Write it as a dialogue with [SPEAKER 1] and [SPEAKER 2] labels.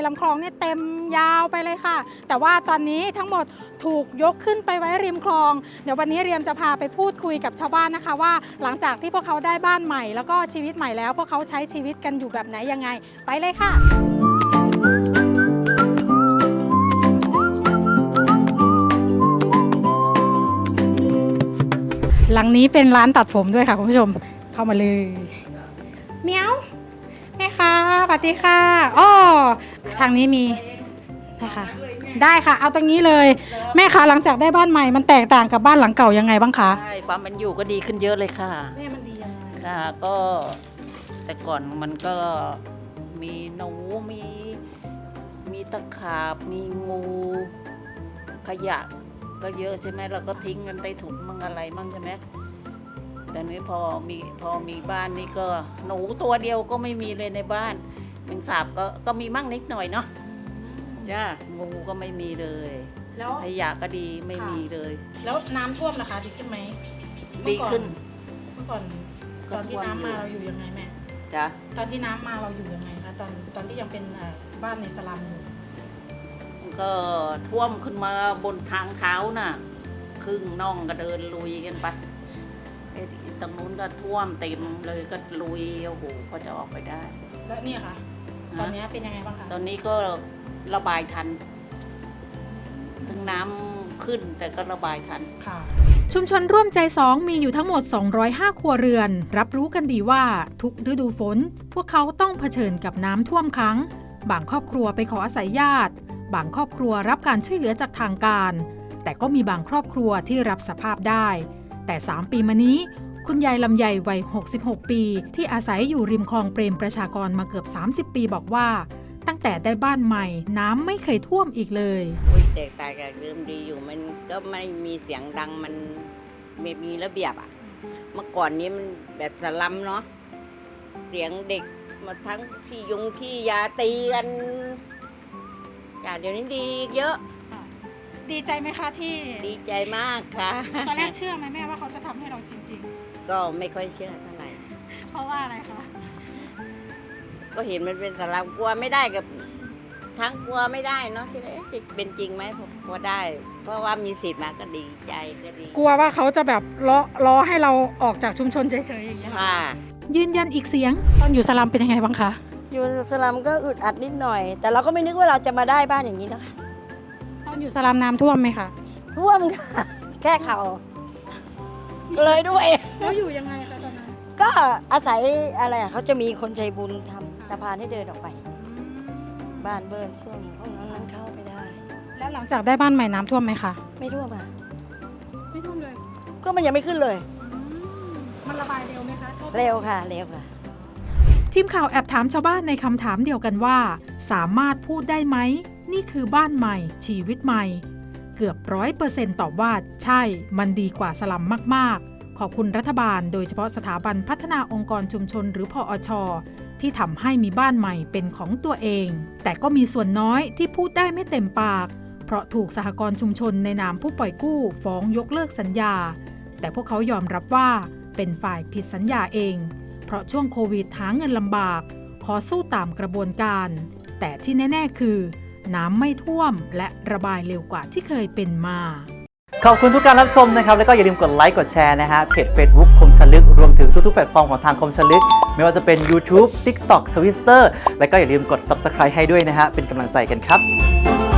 [SPEAKER 1] ลำคลองเนี่ยเต็มยาวไปเลยค่ะแต่ว่าตอนนี้ทั้งหมดถูกยกขึ้นไปไว้ริมคลองเดี๋ยววันนี้เรียมจะพาไปพูดคุยกับชาวบ้านนะคะว่าหลังจากที่พวกเขาได้บ้านใหม่แล้วก็ชีวิตใหม่แล้วพวกเขาใช้ชีวิตกันอยู่แบบไหนยังไงไปเลยค่ะหลังนี้เป็นร้านตัดผมด้วยค่ะคุณผู้ชมเข้ามาเลยเมียวแม่ค่ะสวัสดีค่ะอ้อทางนี้มีนะคะได้ค่ะเอาตรงนี้เลยแม่คะหลังจากได้บ้านใหม่มันแตกต่างกับบ้านหลังเก่ายังไงบ้างคะ
[SPEAKER 2] ใช่ความเป็นอยู่ก็ดีขึ้นเยอะเลยค่ะ
[SPEAKER 1] แม่มันดียังไง
[SPEAKER 2] ค่ะก็แต่ก่อนมันก็มีหนูมีตะขาบมีงูขยะก็เยอะใช่ไหมเราก็ทิ้งกันใต้ถุนมั่งอะไรมั่งใช่ไหมแต่นี้พอมีบ้านนี่ก็หนูตัวเดียวก็ไม่มีเลยในบ้านแมงสาบก็มีมั่งนิดหน่อยเนาะจ้างูก็ไม่มีเลย
[SPEAKER 1] แล้ว
[SPEAKER 2] ขยะก็ดีไม่มีเลย
[SPEAKER 1] แล้วน้ำท่วมนะคะดีขึ้นไหม
[SPEAKER 2] ดีขึ้น
[SPEAKER 1] เมื่อก่อนตอนที่น้ำมาเราอยู่ยังไงแม่
[SPEAKER 2] จ้ะ
[SPEAKER 1] ตอนที่น้ำมาเราอยู่ยังไงคะตอนที่ยังเป็นบ้านในสลัมอยู่
[SPEAKER 2] ก็ท่วมขึ้นมาบนทางเท้าน่ะครึ่งน่องก็เดินลุยกันไปไอ้ตรงนู้นก็ท่วมเต็มเลยก็ลุยโอ้โหก็จะออกไปได้
[SPEAKER 1] แล้วเนี่ยค่ะตอนนี้เป็นยังไงบ้างคะ
[SPEAKER 2] ตอนนี้ก็ระบายทันถึงน้ำขึ้นแต่ก็ระบายทัน
[SPEAKER 1] ค่ะ
[SPEAKER 3] ชุมชนร่วมใจ2มีอยู่ทั้งหมด205ครัวเรือนรับรู้กันดีว่าทุกฤดูฝนพวกเขาต้องเผชิญกับน้ำท่วมขังบางครอบครัวไปขออาศัยญาติบางครอบครัวรับการช่วยเหลือจากทางการแต่ก็มีบางครอบครัวที่รับสภาพได้แต่3ปีมานี้คุณยายลำไยวัย66ปีที่อาศัยอยู่ริมคลองเปรมประชากรมาเกือบ30ปีบอกว่าตั้งแต่ได้บ้านใหม่น้ำไม่เคยท่วมอีกเลย
[SPEAKER 4] แตกต่างจากเดิมดีอยู่มันก็ไม่มีเสียงดังมันมีระเบียบอ่ะเมื่อก่อนนี้มันแบบสลัมเนาะเสียงเด็กมาทั้งขี้ยาตีกันเดี๋ยวนี้ดีเยอะ
[SPEAKER 1] ดีใจไหมคะที่
[SPEAKER 4] ดีใจมากค่ะ
[SPEAKER 1] ตอนแรกเชื่อไหมแม่ว่าเขาจะทำให้เราจริง
[SPEAKER 4] ๆก็ไม่ค่อยเชื่อเท่าไหร่
[SPEAKER 1] เพราะว่าอะไรคะ
[SPEAKER 4] ก็เห็นมันเป็นสลัมกลัวไม่ได้กับทั้งกลัวไม่ได้เนาะที่จะเป็นจริงไหมพอได้เพราะว่ามีสิทธิ์มาก็ดีใจก็ดี
[SPEAKER 1] กลัวว่าเขาจะแบบล้อให้เราออกจากชุมชนเฉยๆอย่างเงี้ย
[SPEAKER 4] ค่ะ
[SPEAKER 3] ยืนยันอีกเสียง
[SPEAKER 1] ตอนอยู่สลัมเป็นยังไงบ้างคะ
[SPEAKER 5] อยู่สลัมก็อึดอัดนิดหน่อยแต่เราก็ไม่นึกว่าเราจะมาได้บ้านอย่างนี้นะคะ
[SPEAKER 1] ตอนอยู่สลัมน้ำท่วมไหมคะ
[SPEAKER 5] ท่วมค่ะแค่เข่าเลยด้วย
[SPEAKER 1] แล้วอยู่ยังไงคะตอนนั้น
[SPEAKER 5] ก็อาศัยอะไรเขาจะมีคนใจบุญทำสะพานให้เดินออกไปบ้านเบิร์นท่วมห้องนั้นเข้าไปได้
[SPEAKER 1] แล้วหลังจากได้บ้านใหม่น้ำท่วมไหมคะ
[SPEAKER 5] ไม่ท่วมอ่ะ
[SPEAKER 1] ไม่ท่วมเลย
[SPEAKER 5] ก็มันยังไม่ขึ้นเลย
[SPEAKER 1] มันระบายเร็วไหมคะ
[SPEAKER 5] เร็วค่ะเร็วค่ะ
[SPEAKER 3] ทีมข่าวแอบถามชาวบ้านในคำถามเดียวกันว่าสามารถพูดได้ไหมนี่คือบ้านใหม่ชีวิตใหม่เกือบ100%ตอบว่าใช่มันดีกว่าสลัมมากๆขอบคุณรัฐบาลโดยเฉพาะสถาบันพัฒนาองค์กรชุมชนหรือพอช.ที่ทำให้มีบ้านใหม่เป็นของตัวเองแต่ก็มีส่วนน้อยที่พูดได้ไม่เต็มปากเพราะถูกสหกรณ์ชุมชนในนามผู้ปล่อยกู้ฟ้องยกเลิกสัญญาแต่พวกเขายอมรับว่าเป็นฝ่ายผิดสัญญาเองเพราะช่วงโควิดหาเงินลำบากขอสู้ตามกระบวนการแต่ที่แน่ๆคือน้ำไม่ท่วมและระบายเร็วกว่าที่เคยเป็นมา
[SPEAKER 6] ขอบคุณทุกการรับชมนะครับแล้วก็อย่าลืมกดไลค์กดแชร์นะฮะเพจ Facebook คมชลึกรวมถึงทุกๆแพลตฟอร์มของทางคมชลึกไม่ว่าจะเป็น YouTube TikTok Twitter แล้วก็อย่าลืมกด Subscribe ให้ด้วยนะฮะเป็นกำลังใจกันครับ